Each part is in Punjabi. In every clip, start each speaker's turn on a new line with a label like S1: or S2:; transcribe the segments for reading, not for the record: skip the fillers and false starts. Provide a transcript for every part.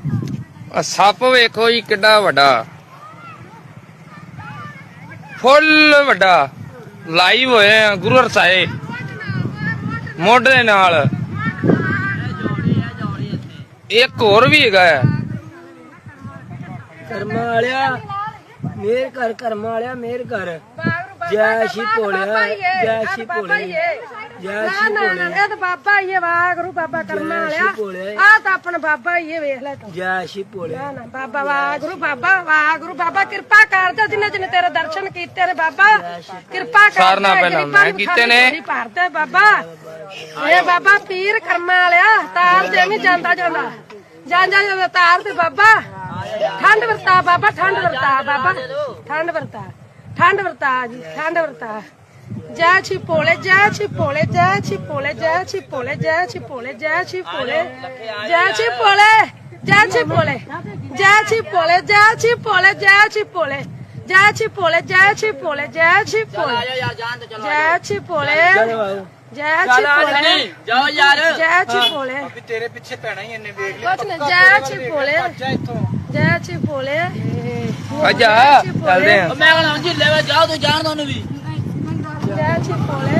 S1: ਸੱਪ ਵੇਖੋ ਜੀ ਕਿੱਡਾ ਵੱਡਾ, ਫੁੱਲ ਵੱਡਾ। ਲਾਈਵ ਹੋਏ ਆ ਗੁਰੂ ਹਰਸਾਏ ਮੁੱਢ ਦੇ ਨਾਲ। ਇੱਕ ਹੋਰ ਵੀ ਹੈਗਾ ਹੈ।
S2: ਕਰਮਾਂ ਵਾਲਿਆ ਮੇਰ ਕਰ, ਕਰਮਾਂ ਵਾਲਿਆ ਮੇਰ ਕਰ। ਜੈ ਸ਼੍ਰੀ ਭੋਲਿਆ, ਜੈ ਸ਼੍ਰੀ ਭੋਲਿਆ, ਜੈ ਸ਼੍ਰੀ ਭੋਲਿਆ।
S3: ਤੇ ਬਾਬਾ ਹੀ ਵਾਹਿਗੁਰੂ ਬਾਬਾ ਕਰਮਾਂ ਵਾਲਿਆ। ਆ ਤਾਂ ਆਪਣਾ ਬਾਬਾ ਹੀ ਵੇਖ ਲੈ ਤੂੰ।
S2: ਜੈ ਸ਼੍ਰੀ ਭੋਲਿਆ।
S3: ਨਾ ਬਾਬਾ ਵਾਹਿਗੁਰੂ ਬਾਬਾ, ਵਾਹਿਗੁਰੂ ਬਾਬਾ ਕਿਰਪਾ ਕਰ ਦੇ। ਜਿੰਨੇ ਜਿੰਨੇ ਤੇਰੇ ਦਰਸ਼ਨ ਕੀਤੇ ਨੇ ਬਾਬਾ ਕਿਰਪਾ ਕਰ।
S1: ਸਾਰਨਾ ਪਹਿਲਾਂ ਮੈਂ ਕੀਤੇ ਨੇ।
S3: ਭਰਦੇ ਬਾਬਾ ਇਹ ਬਾਬਾ ਪੀਰ ਕਰਮਾਂ ਵਾਲਿਆ। ਤਾਰ ਦੇ ਨਹੀਂ ਜਾਂਦਾ ਜਾਂਦਾ ਜਾਂਦਾ ਤਾਰ ਤੇ ਬਾਬਾ। ਠੰਡ ਵਰਤਾ ਬਾਬਾ, ਠੰਡ ਵਰਤਾ ਬਾਬਾ, ਠੰਡ ਵਰਤਾ, ਠੰਡ ਵਰਤਾ ਜੀ, ਠੰਡ ਵਰਤਾ। ਜੈ ਛੀ ਭੋਲੇ, ਜੈ ਛੀ ਭੋਲੇ, ਜੈ ਛੀ ਭੋਲੇ, ਜੈ ਛੀ ਭੋਲੇ, ਜੈ ਛੀ ਭੋਲੇ, ਜੈ ਛੀ ਭੋਲੇ, ਜੈ ਛੀ ਭੋਲੇ, ਜੈ ਛੀ ਭੋਲੇ, ਜੈ ਛੀ ਭੋਲੇ, ਜੈ ਛੀ ਭੋਲੇ, ਜੈ ਛੀ ਭੋਲੇ, ਜੈ ਛੀ ਭੋਲੇ, ਜੈ ਛੀ ਭੋਲੇ, ਜੈ ਛੀ ਭੋਲੇ, ਜੈ ਛੀ ਭੋਲੇ, ਜੈ ਛੀ ਭੋਲੇ।
S2: ਜਾਓ ਯਾਰ,
S3: ਜੈ ਛੀ ਭੋਲੇ।
S2: ਤੇਰੇ ਪਿੱਛੇ ਪੈਣਾ ਹੀ ਇਹਨੇ ਵੇਖ
S3: ਕੁਛ ਨਹੀਂ। ਜੈ ਛੀ ਭੋਲੇ, ਜੈ ਛੀ ਭੋਲੇ।
S1: ਅੱਜਾ ਚੱਲਦੇ ਆ।
S2: ਮੈਂ ਕਹਿੰਦਾ ਜੀ ਲੈ ਜਾਓ, ਤੂੰ ਜਾਣ ਦੋ ਉਹਨੂੰ ਵੀ।
S3: ਜੈ ਛੀ ਭੋਲੇ।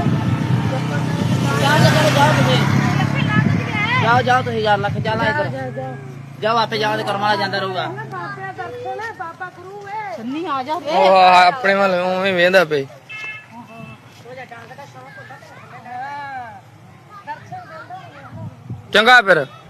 S2: ਜਾਓ ਜਾਓ ਤੁਸੀਂ ਯਾਰ, ਲੱਖ ਜਾਣਾ
S3: ਜਾ ਜਾ ਜਾ
S2: ਜਾਓ, ਆਪੇ ਜਾਓ ਤੇ ਕਰਮਾਂ ਵਾਲਾ ਜਾਂਦਾ ਰਹੂਗਾ।
S3: ਬਾਬੇ ਦਰਸ਼ਨ ਹੈ, ਬਾਬਾ ਗੁਰੂ ਹੈ।
S2: ਸੰਨੀ ਆ ਜਾ।
S1: ਉਹ ਆਪਣੇ ਵੱਲ ਉਵੇਂ ਵੇਂਦਾ ਪਈ। ਚੰਗਾ ਫਿਰ।